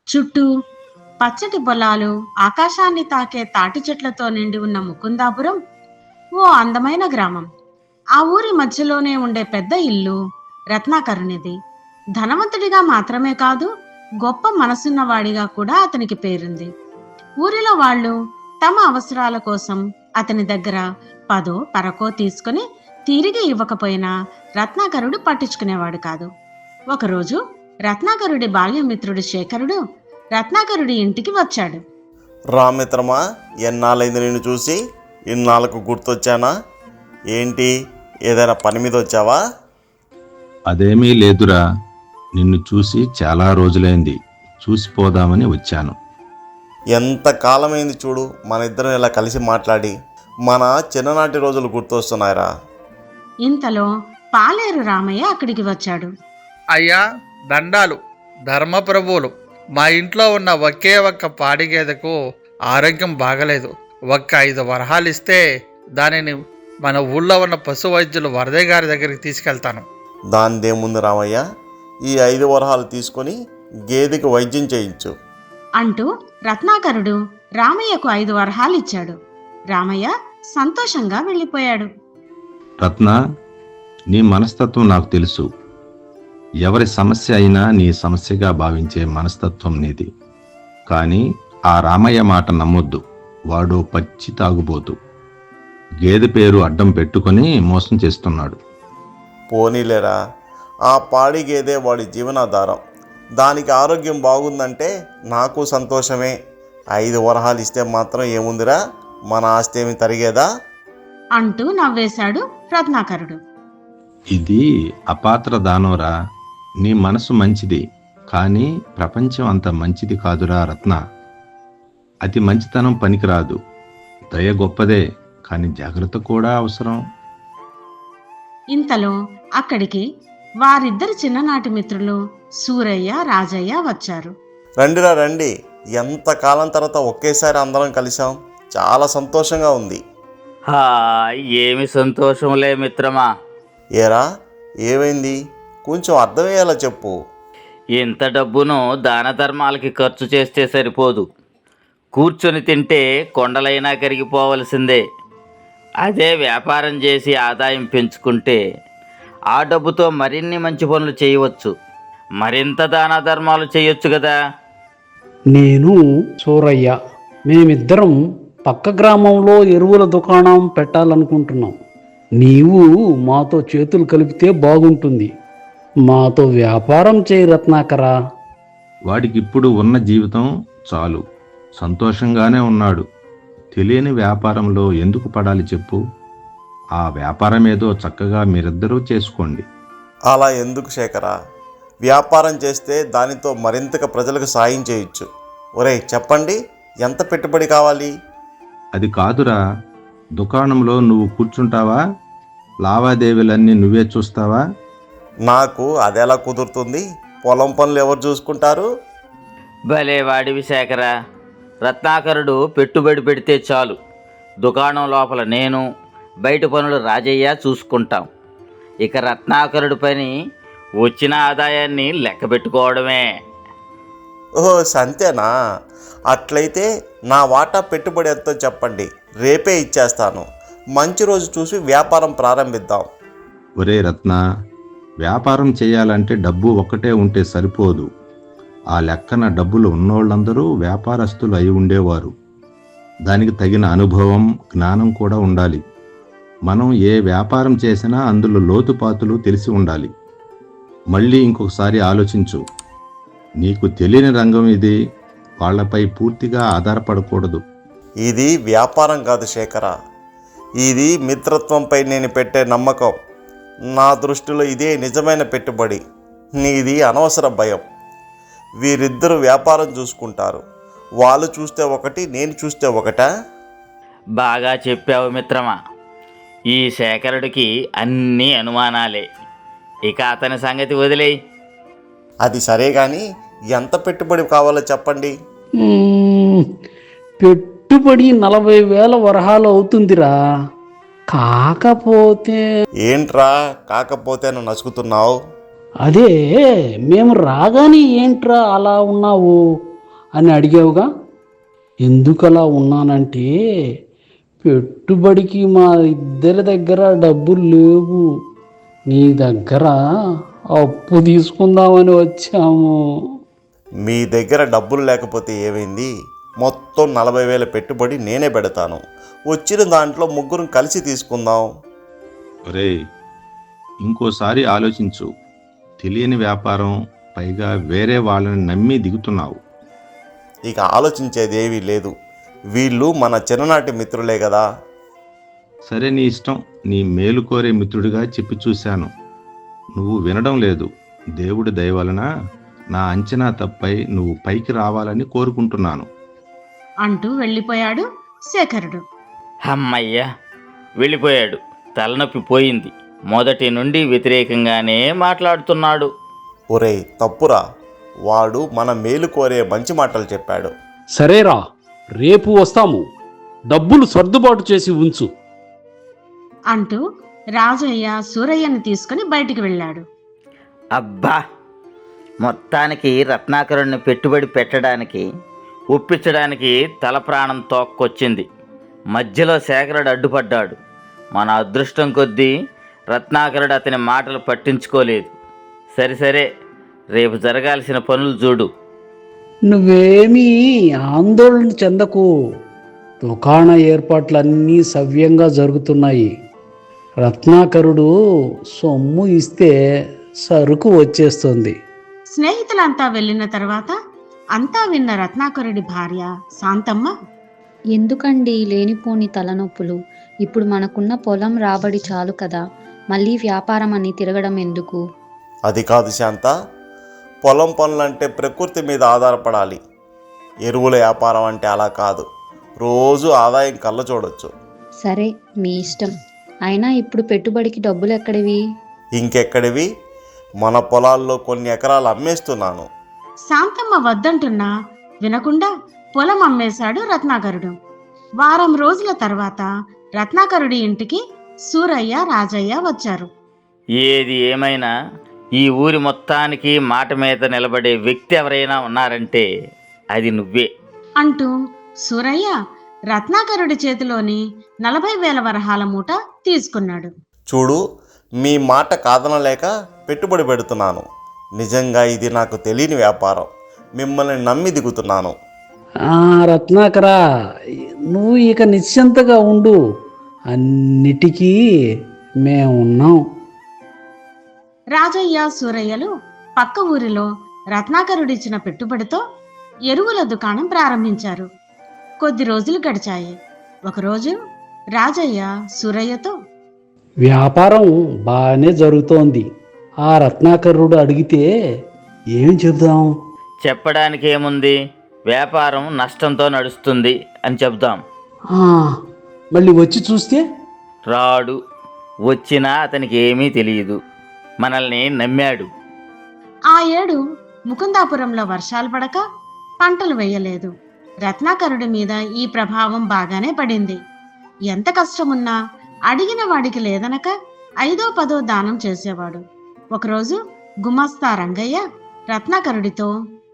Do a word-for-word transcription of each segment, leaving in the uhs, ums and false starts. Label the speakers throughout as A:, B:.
A: చుట్టూ పచ్చటి పొలాలు, ఆకాశాన్ని తాకే తాటి చెట్లతో నిండి ఉన్న ముకుందాపురం ఓ అందమైన గ్రామం. ఆ ఊరి మధ్యలోనే ఉండే పెద్ద ఇల్లు రత్నాకరునిది. ధనవంతుడిగా మాత్రమే కాదు, గొప్ప మనసున్నవాడిగా కూడా అతనికి పేరుంది. ఊరిలో వాళ్ళు తమ అవసరాల కోసం అతని దగ్గర పదో పరకో తీసుకుని తిరిగి ఇవ్వకపోయినా రత్నాకరుడు పట్టించుకునేవాడు కాదు. ఒకరోజు రత్నాకరుడి బాల్యమిత్రుడు శేఖరుడు రత్నాకరుడి ఇంటికి వచ్చాడు.
B: రామిత్రమా, ఎన్నాళ్ళైంది నిన్ను చూసి? ఇన్నాళ్ళకు గుర్తొచ్చానా? ఏంటి, ఏదైనా పని మీద వచ్చావా?
C: అదేమీ లేదురా, నిన్ను చూసి చాలా రోజులైంది, చూసిపోదామని వచ్చాను.
B: ఎంత కాలమైంది చూడు మన ఇద్దరం ఇలా కలిసి మాట్లాడి. మన చిన్ననాటి రోజులు గుర్తొస్తున్నాయిరా.
A: ఇంతలో పాలేరు రామయ్య అక్కడికి వచ్చాడు.
D: అయ్యా, దండాలు ధర్మప్రభువులు. మా ఇంట్లో ఉన్న ఒకే ఒక్క పాడి గేదెకు ఆరోగ్యం బాగలేదు. ఒక్క ఐదు వరహాలు ఇస్తే దానిని మన ఊళ్ళో ఉన్న పశు వైద్యులు వరదయ్య గారి దగ్గరికి తీసుకెళ్తాను.
B: దానిదేముంది రామయ్య, ఈ ఐదు వరహాలు తీసుకొని గేదెకి వైద్యం చేయించు
A: అంటూ రత్నాకరుడు రామయ్యకు ఐదు వరహాలు ఇచ్చాడు. రామయ్య సంతోషంగా వెళ్ళిపోయాడు.
C: రత్న, నీ మనస్తత్వం నాకు తెలుసు. ఎవరి సమస్య అయినా నీ సమస్యగా భావించే మనస్తత్వం నీది. కానీ ఆ రామయ్య మాట నమ్మొద్దు. వాడు పచ్చి తాగుబోతు. గేదె పేరు అడ్డం పెట్టుకొని మోసం చేస్తున్నాడు.
B: పోనీలేరా, ఆ పాడి గేదె వాడి జీవనాధారం. దానికి ఆరోగ్యం బాగుందంటే నాకు సంతోషమే. ఐదు వరహాలు ఇస్తే మాత్రం ఏముందిరా, మన ఆస్తి ఏమి తరిగేదా
A: అంటూ నవ్వేశాడు రత్నాకరుడు.
C: ఇది అపాత్ర దానోరా. నీ మనసు మంచిది, కానీ ప్రపంచం అంత మంచిది కాదురా రత్న. అతి మంచితనం పనికిరాదు. దయ గొప్పదే, కానీ జాగ్రత్త కూడా అవసరం.
A: ఇంతలో అక్కడికి వారిద్దరి చిన్ననాటి మిత్రులు సూరయ్య, రాజయ్య వచ్చారు.
B: రండిరా రండి, ఎంత కాలం తర్వాత ఒకేసారి అందరం కలిసాం. చాలా సంతోషంగా ఉంది.
E: హా, ఏమి సంతోషంలే మిత్రమా.
B: ఏరా, ఏమైంది? కొంచెం అర్థమయ్యేలా చెప్పు.
E: ఇంత డబ్బును దాన ధర్మాలకి ఖర్చు చేస్తే సరిపోదు. కూర్చొని తింటే కొండలైనా కరిగిపోవలసిందే. అదే వ్యాపారం చేసి ఆదాయం పెంచుకుంటే ఆ డబ్బుతో మరిన్ని మంచి పనులు చేయవచ్చు. మరింత దాన ధర్మాలు చేయొచ్చు కదా.
F: నేను సూరయ్య, మేమిద్దరం పక్క గ్రామంలో ఎరువుల దుకాణం పెట్టాలనుకుంటున్నాం. నీవు మాతో చేతులు కలిపితే బాగుంటుంది. మాతో వ్యాపారం చేయి రత్నాకరా.
C: వాడికిప్పుడు ఉన్న జీవితం చాలు, సంతోషంగానే ఉన్నాడు. తెలియని వ్యాపారంలో ఎందుకు పడాలి చెప్పు? ఆ వ్యాపారం ఏదో చక్కగా మీరిద్దరూ చేసుకోండి.
B: అలా ఎందుకు శేఖరా? వ్యాపారం చేస్తే దానితో మరింతగా ప్రజలకు సాయం చేయొచ్చు. ఒరేయ్ చెప్పండి, ఎంత పెట్టుబడి కావాలి?
C: అది కాదురా, దుకాణంలో నువ్వు కూర్చుంటావా? లావాదేవీలన్నీ నువ్వే చూస్తావా?
B: నాకు అదెలా కుదురుతుంది? పొలం పనులు ఎవరు చూసుకుంటారు?
E: భలే వాడివి శేఖరా. రత్నాకరుడు పెట్టుబడి పెడితే చాలు. దుకాణం లోపల నేను, బయట పనులు రాజయ్య చూసుకుంటాం. ఇక రత్నాకరుడి పని వచ్చిన ఆదాయాన్ని లెక్క పెట్టుకోవడమే.
B: ఓహో, సంతేనా? అట్లయితే నా వాటా పెట్టుబడి ఎంతో చెప్పండి, రేపే ఇచ్చేస్తాను. మంచి రోజు చూసి వ్యాపారం ప్రారంభిద్దాం.
C: ఒరే రత్న, వ్యాపారం చేయాలంటే డబ్బు ఒక్కటే ఉంటే సరిపోదు. ఆ లెక్కన డబ్బులు ఉన్నోళ్ళందరూ వ్యాపారస్తులు అయి ఉండేవారు. దానికి తగిన అనుభవం, జ్ఞానం కూడా ఉండాలి. మనం ఏ వ్యాపారం చేసినా అందులో లోతుపాతులు తెలిసి ఉండాలి. మళ్ళీ ఇంకొకసారి ఆలోచించు. నీకు తెలియని రంగం ఇది. వాళ్లపై పూర్తిగా ఆధారపడకూడదు.
B: ఇది వ్యాపారం కాదు శేఖర, ఇది మిత్రత్వంపై నేను పెట్టే నమ్మకం. నా దృష్టిలో ఇదే నిజమైన పెట్టుబడి. నీది అనవసర భయం. వీరిద్దరూ వ్యాపారం చూసుకుంటారు. వాళ్ళు చూస్తే ఒకటి, నేను చూస్తే ఒకటా?
E: బాగా చెప్పావు మిత్రమా. ఈ శేఖరుడికి అన్నీ అనుమానాలే. ఇక అతని సంగతి వదిలేయి.
B: అది సరే కానీ ఎంత పెట్టుబడి కావాలో చెప్పండి.
F: మ్మ్, పెట్టుబడి నలభై వేల వరహాలు అవుతుందిరా. కాకపోతే
B: ఏంట్రా కాకపోతే నువ్వు నసుకుతున్నావు?
F: అదే, మేము రాగానే ఏంట్రా అలా ఉన్నావు? అని అడిగావుగా. ఎందుకలా ఉన్నానంటే పెట్టుబడికి మా ఇద్దరి దగ్గర డబ్బులు లేవు, నీ దగ్గర అప్పు తీసుకుందామని వచ్చాము.
B: మీ దగ్గర డబ్బులు లేకపోతే ఏమైంది? మొత్తం నలభై వేల పెట్టుబడి నేనే పెడతాను. వచ్చిన దాంట్లో ముగ్గురం కలిసి తీసుకుందాం.
C: ఒరేయ్, ఇంకోసారి ఆలోచించు. తెలియని వ్యాపారం, పైగా వేరే వాళ్ళని నమ్మి దిగుతున్నావు.
B: ఇక ఆలోచించేది ఏమీ లేదు. వీళ్ళు మన చిన్ననాటి మిత్రులే కదా.
C: సరే, నీ ఇష్టం. నీ మేలు కోరే మిత్రుడిగా చెప్పి చూశాను, నువ్వు వినడం లేదు. దేవుడి దయ వలన నా అంచనా తప్పై నువ్వు పైకి రావాలని కోరుకుంటున్నాను
A: అంటూ వెళ్ళిపోయాడు శేఖరుడు.
E: అమ్మయ్య, వెళ్ళిపోయాడు. తలనొప్పి పోయింది. మొదటి నుండి వ్యతిరేకంగానే మాట్లాడుతున్నాడు.
B: ఒరేయ్ తప్పురా, వాడు మన మేలు కోరే మంచి మాటలు చెప్పాడు.
F: సరేరా, రేపు వస్తాము, డబ్బులు సర్దుబాటు చేసి ఉంచు
A: అంటూ రాజయ్య సూరయ్యను తీసుకుని బయటికి వెళ్ళాడు.
E: అబ్బా, మొత్తానికి రత్నాకరుణ్ణి పెట్టుబడి పెట్టడానికి ఒప్పించడానికి తల ప్రాణం తోక్కొచ్చింది. మధ్యలో శేఖరుడు అడ్డుపడ్డాడు. మన అదృష్టం కొద్దీ రత్నాకరుడు అతని మాటలు పట్టించుకోలేదు. సరే సరే, రేపు జరగాల్సిన పనులు చూడు.
F: నువ్వేమీ ఆందోళన చెందకు, దుకాణ ఏర్పాట్లన్నీ సవ్యంగా జరుగుతున్నాయి. రత్నాకరుడు సొమ్ము ఇస్తే సరుకు వచ్చేస్తుంది.
A: స్నేహితులంతా వెళ్ళిన తర్వాత అంతా విన్న రత్నాకరుడి భార్య శాంతమ్మ,
G: ఎందుకండి లేనిపోని తలనొప్పులు? ఇప్పుడు మనకున్న పొలం రాబడి చాలు కదా, మళ్ళీ వ్యాపారం అని తిరగడం ఎందుకు?
B: అది కాదు శాంత, పొలం పనులంటే ప్రకృతి మీద ఆధారపడాలి. ఎరువుల వ్యాపారం అంటే అలా కాదు, రోజు ఆదాయం కళ్ళ చూడొచ్చు.
G: సరే, మీ ఇష్టం. అయినా ఇప్పుడు పెట్టుబడికి డబ్బులు ఎక్కడివి?
B: ఇంకెక్కడివి, మన పొలాల్లో కొన్ని ఎకరాలు అమ్మేస్తున్నాను.
A: శాంతమ్మ వద్దంటున్నా వినకుండా పొలం అమ్మేశాడు రత్నాకరుడు. వారం రోజుల తర్వాత రత్నాకరుడి ఇంటికి సూరయ్య, రాజయ్య వచ్చారు.
E: ఏది ఏమైనా ఈ ఊరి మొత్తానికి మాట మీద నిలబడే వ్యక్తి ఎవరైనా ఉన్నారంటే అది నువ్వే
A: అంటూ సూరయ్య రత్నాకరుడి చేతిలోని నలభై వేల వరహాల మూట తీసుకున్నాడు.
B: చూడు, మీ మాట కాదనలేక పెట్టుబడి పెడుతున్నాను. నిజంగా ఇది నాకు తెలియని వ్యాపారం. మిమ్మల్ని నమ్మి దిగుతున్నాను.
F: ఆ రత్నాకరా, నువ్వు ఇక నిశ్చింతగా ఉండు, అన్నిటికీ మేమున్నాం.
A: రాజయ్య, సూరయ్యలు పక్క ఊరిలో రత్నాకరుడిచ్చిన పెట్టుబడితో ఎరువుల దుకాణం ప్రారంభించారు. కొద్ది రోజులు గడిచాయి. ఒకరోజు రాజయ్య సూరయ్యతో,
F: వ్యాపారం బాగానే జరుగుతోంది. ఆ రత్నాకరుడు అడిగితే ఏం చెబుదాం?
E: చెప్పడానికి ఏముంది, వ్యాపారం నష్టంతో నడుస్తుంది అని చెప్దాం.
F: ఆ, మళ్ళీ వచ్చి చూస్తే?
E: రాడు. వచ్చినా అతనికి ఏమీ తెలియదు. మనల్ని నమ్మాడు.
A: ఆ ఏడు ముకుందాపురంలో వర్షాలు పడక పంటలు వేయలేదు. రత్నాకరుడి మీద ఈ ప్రభావం బాగానే పడింది. ఎంత కష్టమున్నా అడిగిన వాడికి లేదనక ఐదో పదో దానం చేసేవాడు. ఒకరోజు గుమస్తా రంగయ్య రత్నాకరుడితో,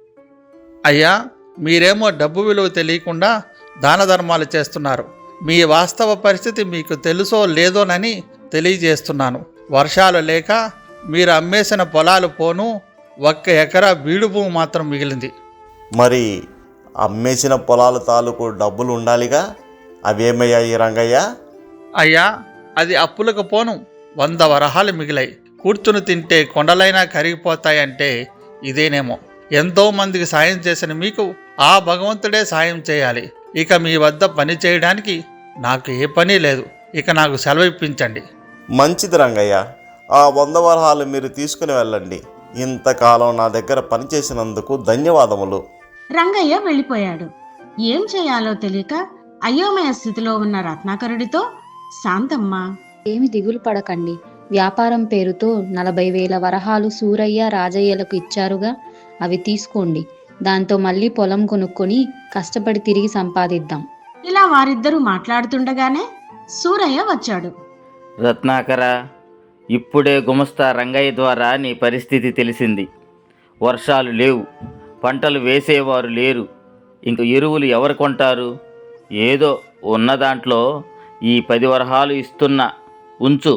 D: అయ్యా, మీరేమో డబ్బు విలువ తెలియకుండా దాన ధర్మాలు చేస్తున్నారు. మీ వాస్తవ పరిస్థితి మీకు తెలుసో లేదోనని తెలియజేస్తున్నాను. వర్షాలు లేక మీరు అమ్మేసిన పొలాలు పోను, ఒక్క ఎకరా బీడు భూమి మాత్రం మిగిలింది.
B: మరి అమ్మేసిన పొలాల తాలూకు డబ్బులు ఉండాలిగా, అవేమయ్యాయి రంగయ్య?
D: అయ్యా, అది అప్పులకు పోను వంద వరహాలు మిగిలాయి. కూర్చుని తింటే కొండలైనా కరిగిపోతాయంటే ఇదేనేమో. ఎంతో మందికి సాయం చేసిన మీకు ఆ భగవంతుడే సాయం చేయాలి. ఇక మీ వద్ద పని చేయడానికి నాకు ఏ పని లేదు. ఇక నాకు సెలవు ఇప్పించండి.
B: మంచిది రంగయ్య, ఆ వంద వరహాలు మీరు తీసుకుని వెళ్ళండి. ఇంతకాలం నా దగ్గర పనిచేసినందుకు ధన్యవాదములు.
A: రంగయ్య వెళ్ళిపోయాడు. ఏం చేయాలో తెలియక అయోమయ స్థితిలో ఉన్న రత్నాకరుడితో శాంతమ్మ,
G: ఏమి దిగులు పడకండి. వ్యాపారం పేరుతో నలభై వేల వరహాలు సూరయ్య, రాజయ్యలకు ఇచ్చారుగా, అవి తీసుకోండి. దాంతో మళ్ళీ పొలం కొనుక్కొని కష్టపడి తిరిగి సంపాదిద్దాం.
A: ఇలా వారిద్దరూ మాట్లాడుతుండగానే సూరయ్య వచ్చాడు.
E: రత్నాకర, ఇప్పుడే గుమస్తా రంగయ్య ద్వారా నీ పరిస్థితి తెలిసింది. వర్షాలు లేవు, పంటలు వేసేవారు లేరు. ఇంక ఎరువులు ఎవరు కొంటారు? ఏదో ఉన్న దాంట్లో ఈ పది వరహాలు ఇస్తున్నా, ఉంచు.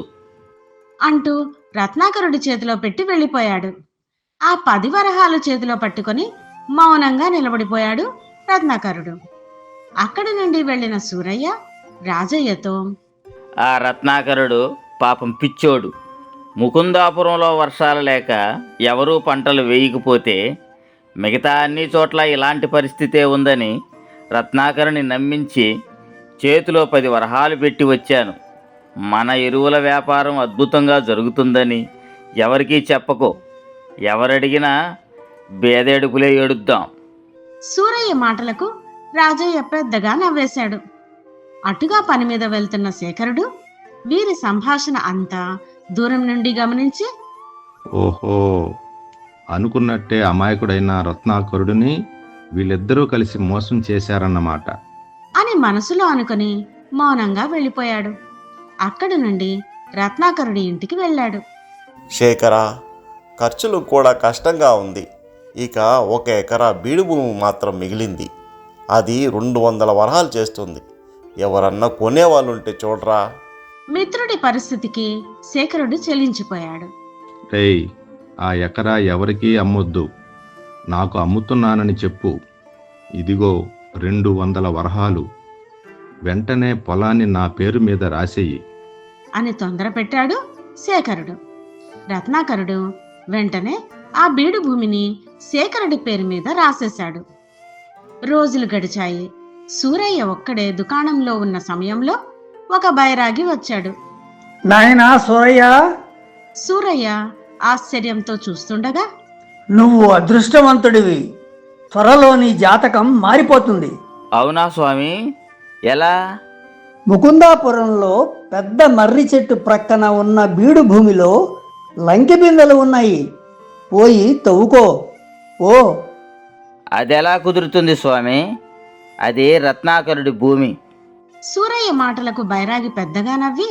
A: అంటూ రత్నాకరుడి చేతిలో పెట్టి వెళ్ళిపోయాడు. ఆ పది వరహాలు చేతిలో పట్టుకొని మౌనంగా నిలబడిపోయాడు రత్నాకరుడు. అక్కడి నుండి వెళ్ళిన సూరయ్య రాజయ్యతో,
E: ఆ రత్నాకరుడు పాపం పిచ్చోడు. ముకుందాపురంలో వర్షాలు లేక ఎవరూ పంటలు వేయకపోతే మిగతా అన్ని చోట్ల ఇలాంటి పరిస్థితే ఉందని రత్నాకరుని నమ్మించి చేతిలో పది వరహాలు పెట్టి వచ్చాను. మన ఎరువుల వ్యాపారం అద్భుతంగా జరుగుతుందని ఎవరికీ చెప్పకో. ఎవరడిగినా బేదేడుపులే ఏడుద్దాం.
A: సూరయ్య మాటలకు రాజయ్య పెద్దగా నవ్వేశాడు. అటుగా పని మీద వెళ్తున్న శేఖరుడు వీరి సంభాషణ అంతా దూరం నుండి గమనించి,
C: ఓహో, అనుకున్నట్టే అమాయకుడైన రత్నాకరుడిని వీళ్ళిద్దరూ కలిసి మోసం చేశారన్నమాట
A: అని మనసులో అనుకుని మౌనంగా వెళ్ళిపోయాడు. అక్కడి నుండి రత్నాకరుడి ఇంటికి వెళ్ళాడు.
B: శేఖర, ఖర్చులు కూడా కష్టంగా ఉంది. ఇక ఒక ఎకరా బీడు భూమి మాత్రం మిగిలింది. అది రెండు వందల వరహాలు చేస్తుంది. ఎవరన్నా కొనేవాళ్ళుంటే చూడరా.
A: మిత్రుడి పరిస్థితికి శేఖరుడు చెలించిపోయాడు.
C: రేయ్, ఆ ఎకరా ఎవరికీ అమ్మొద్దు, నాకు అమ్ముతున్నానని చెప్పు. ఇదిగో రెండు వందల వరహాలు, వెంటనే పొలాన్ని నా పేరు మీద రాసేయి
A: అని తొందర పెట్టాడు శేఖరుడు. రత్నాకరుడు వెంటనే ఆ బీడు భూమిని శేఖరుడి పేరు మీద రాసేశాడు. రోజులు గడిచాయి. సూరయ్య ఒక్కడే దుకాణంలో ఉన్న సమయంలో ఒక బైరాగి వచ్చాడు.
H: నాయనా సూరయ్య,
A: సూరయ్య ఆశ్చర్యంతో చూస్తుండగా,
H: నువ్వు అదృష్టవంతుడివి. త్వరలో నీ జాతకం మారిపోతుంది.
E: అవునా స్వామి? ఎలా?
H: ముకుందాపురంలో పెద్ద మర్రి చెట్టు ప్రక్కన ఉన్న బీడు భూమిలో లంకె బిందెలు ఉన్నాయి. పోయి తవ్వుకో. ఓ,
E: అదెలా కుదురుతుంది స్వామి? అది రత్నాకరుడి భూమి.
A: సూరయ్య మాటలకు బైరాగి పెద్దగా నవ్వి,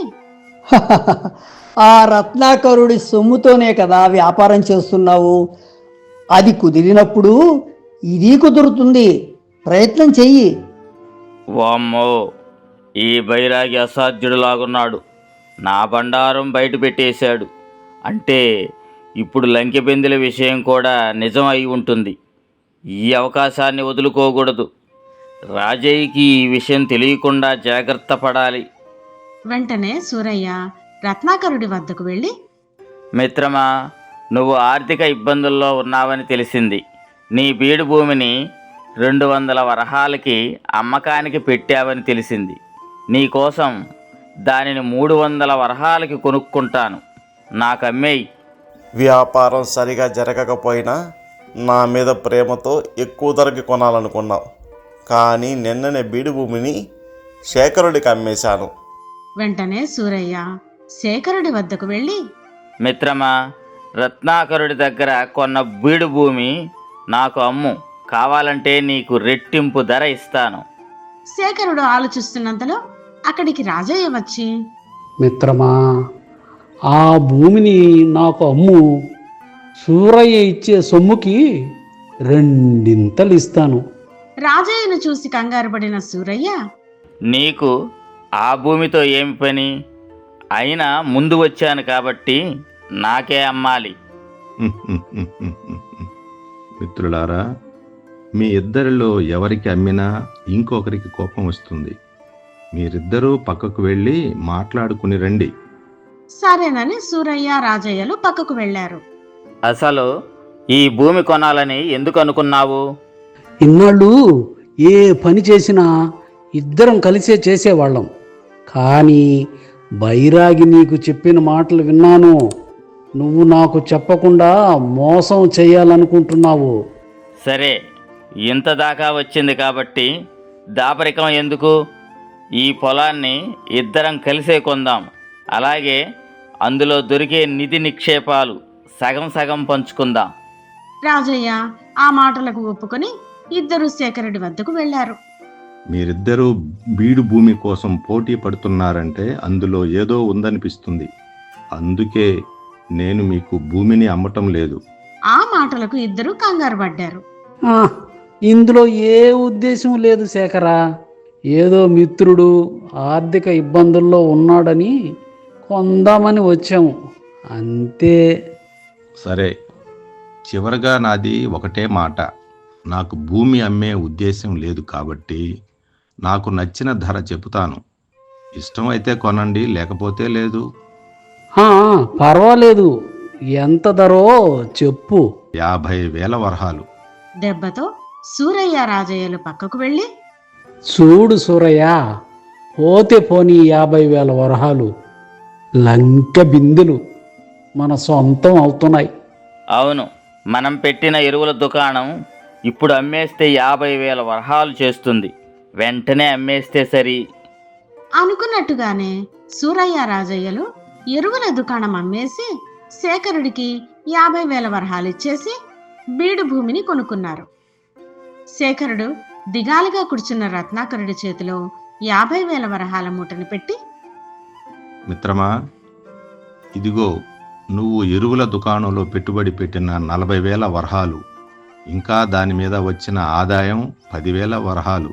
H: ఆ రత్నాకరుడి సొమ్ముతోనే కదా వ్యాపారం చేస్తున్నావు. అది కుదిరినప్పుడు ఇది కుదురుతుంది. ప్రయత్నం చెయ్యి.
E: వామ్మో, ఈ బైరాగి అసాధ్యుడులాగున్నాడు. నా బండారం బయట పెట్టేశాడు అంటే ఇప్పుడు లంకె బిందెల విషయం కూడా నిజం అయి ఉంటుంది. ఈ అవకాశాన్ని వదులుకోకూడదు. రాజయ్యకి ఈ విషయం తెలియకుండా జాగ్రత్త పడాలి.
A: వెంటనే సూరయ్య రత్నాకరుడి వద్దకు వెళ్ళి,
E: మిత్రమా, నువ్వు ఆర్థిక ఇబ్బందుల్లో ఉన్నావని తెలిసింది. నీ బీడు భూమిని రెండు వందల వరహాలకి అమ్మకానికి పెట్టావని తెలిసింది. నీకోసం దానిని మూడు వందల వరహాలకి కొనుక్కుంటాను. నాకు అమ్మేయి.
B: వ్యాపారం సరిగా జరగకపోయినా నా మీద ప్రేమతో ఎక్కువ ధరకి కొనాలనుకున్నావు. కానీ నిన్ననే బీడు భూమిని శేఖరుడికి అమ్మేశాను.
A: వెంటనే సూరయ్య శేఖరుడి వద్దకు వెళ్ళి,
E: మిత్రమా, రత్నాకరుడి దగ్గర కొన్న బీడు భూమి నాకు అమ్ము. కావాలంటే నీకు రెట్టింపు ధర ఇస్తాను.
A: శేఖరుడు ఆలోచిస్తున్నంతలో అక్కడికి రాజయ్య వచ్చి,
F: మిత్రమా, ఆ భూమిని నాకు అమ్ము. సూరయ్య ఇచ్చే సొమ్ముకి రెండింతలు ఇస్తాను.
A: రాజయ్యను చూసి కంగారు పడిన సూరయ్య,
E: నీకు ఆ భూమితో ఏమి పని? అయినా ముందు వచ్చాను కాబట్టి నాకే అమ్మాలి.
C: మిత్రులారా, మీ ఇద్దరిలో ఎవరికి అమ్మినా ఇంకొకరికి కోపం వస్తుంది. మీరిద్దరూ పక్కకు వెళ్ళి మాట్లాడుకుని రండి.
A: సరేనని సూరయ్య రాజయ్యలు పక్కకు వెళ్లారు.
E: అసలు ఈ భూమి కొనాలని ఎందుకు అనుకున్నావు?
F: ఇన్నాళ్ళు ఏ పని చేసినా ఇద్దరం కలిసే చేసేవాళ్ళం. కానీ బైరాగి నీకు చెప్పిన మాటలు విన్నాను. నువ్వు నాకు చెప్పకుండా మోసం చేయాలనుకుంటున్నావు.
E: సరే, ఇంత దాకా వచ్చింది కాబట్టి దాపరికం ఎందుకు? ఈ పొలాన్ని ఇద్దరం కలిసే కొందాం. అలాగే అందులో దొరికే నిధి నిక్షేపాలు సగం సగం పంచుకుందాం.
A: రాజయ్య ఆ మాటలకు ఒప్పుకొని ఇద్దరు శేఖరుడి వద్దకు వెళ్లారు.
C: మీరిద్దరూ బీడు భూమి కోసం పోటీ పడుతున్నారంటే అందులో ఏదో ఉందనిపిస్తుంది. అందుకే నేను మీకు భూమిని అమ్మటం లేదు.
A: ఆ మాటలకు ఇద్దరు కంగారు పడ్డారు.
F: ఆ, ఇందులో ఏ ఉద్దేశం లేదు శేఖరా. ఏదో మిత్రుడు ఆర్థిక ఇబ్బందుల్లో ఉన్నాడని కొందామని వచ్చాము అంతే.
C: సరే, చివరగా నాది ఒకటే మాట. నాకు భూమి అమ్మే ఉద్దేశం లేదు కాబట్టి నాకు నచ్చిన ధర చెబుతాను. ఇష్టమైతే కొనండి, లేకపోతే లేదు.
F: ఆ, పర్వాలేదు. ఎంత ధరో చెప్పు.
C: యాభై వేల వరహాలు.
A: దెబ్బతో సూరయ్య రాజయ్యలు పక్కకు వెళ్ళి,
F: చూడు సూరయ్య, పోతే పోనీ యాభై వేల వరహాలు లంక బిందులు మన సొంతం అవుతున్నాయి.
E: అవును, మనం పెట్టిన ఎరువుల దుకాణం ఇప్పుడు అమ్మేస్తే యాభై వేల వరహాలు చేస్తుంది. వెంటనే అమ్మేస్తే సరి.
A: అనుకున్నట్టుగానే సూరయ్య రాజయ్యలు ఎరువుల దుకాణం అమ్మేసి శేఖరుడికి యాభై వేల వరహాలు ఇచ్చేసి బీడు భూమిని కొనుక్కున్నారు. శేఖరుడు దిగాలుగా కూర్చున్న రత్నాకరుడి చేతిలో యాభై వేల వరహాల మూటని పెట్టి,
C: మిత్రమా, ఇదిగో నువ్వు ఎరువుల దుకాణంలో పెట్టుబడి పెట్టిన నలభై వేల వరహాలు, ఇంకా దాని మీద వచ్చిన ఆదాయం పదివేల వరహాలు,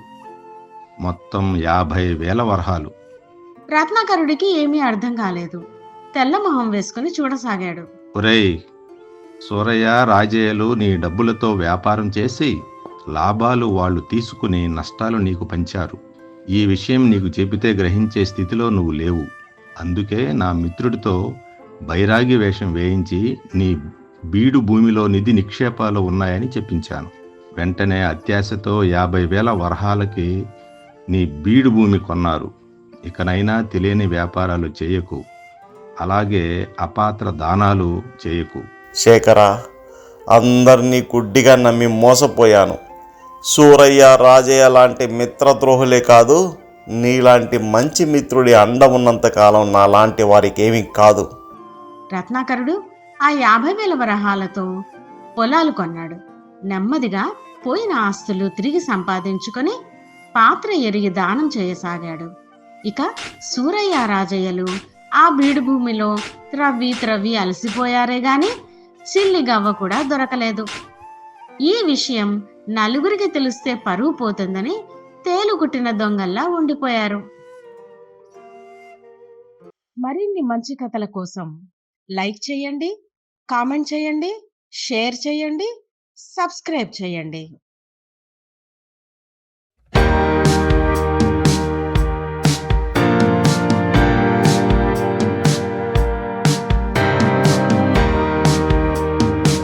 C: మొత్తం యాభై వేల వరహాలు.
A: రత్నాకరుడికి ఏమీ అర్థం కాలేదు. తెల్లమొహం వేసుకుని చూడసాగాడు.
C: ఒరేయ్ సూరయ్య, రాజయ్యలు నీ డబ్బులతో వ్యాపారం చేసి లాభాలు వాళ్ళు తీసుకుని నష్టాలు నీకు పంచారు. ఈ విషయం నీకు చెబితే గ్రహించే స్థితిలో నువ్వు లేవు. అందుకే నా మిత్రుడితో బైరాగి వేషం వేయించి నీ బీడు భూమిలో నిధి నిక్షేపాలు ఉన్నాయని చెప్పించాను. వెంటనే అత్యాశతో యాభై వేల వరహాలకి నీ బీడు భూమి కొన్నారు. ఇకనైనా తెలియని వ్యాపారాలు చేయకు, అలాగే అపాత్ర దానాలు చేయకు.
B: శేఖర, అందరినీ గుడ్డిగా నమ్మి మోసపోయాను. సూరయ్య, రాజయ్య లాంటి మిత్రద్రోహులే కాదు, నీలాంటి మంచి మిత్రుడి అండ ఉన్నంతకాలం నా లాంటి వారికి ఏమీ కాదు.
A: రత్నాకరుడు ఆ యాభై వేల వరహాలతో పొలాలు కొన్నాడు. నెమ్మదిగా పోయిన ఆస్తులు తిరిగి సంపాదించుకొని పాత్ర ఎరిగి దానం చేయసాగాడు. ఇక సూరయ్య రాజయ్యలు ఆ బీడు భూమిలో త్రవ్వి త్రవ్వి అలసిపోయారే గాని చిల్లి గవ్వ కూడా దొరకలేదు. ఈ విషయం నలుగురికి తెలిస్తే పరువు పోతుందని తేలుకుట్టిన దొంగల్లా ఉండిపోయారు. మరిన్ని మంచి కథల కోసం లైక్ చేయండి, కామెంట్ చేయండి, షేర్ చేయండి, సబ్స్క్రైబ్ చేయండి.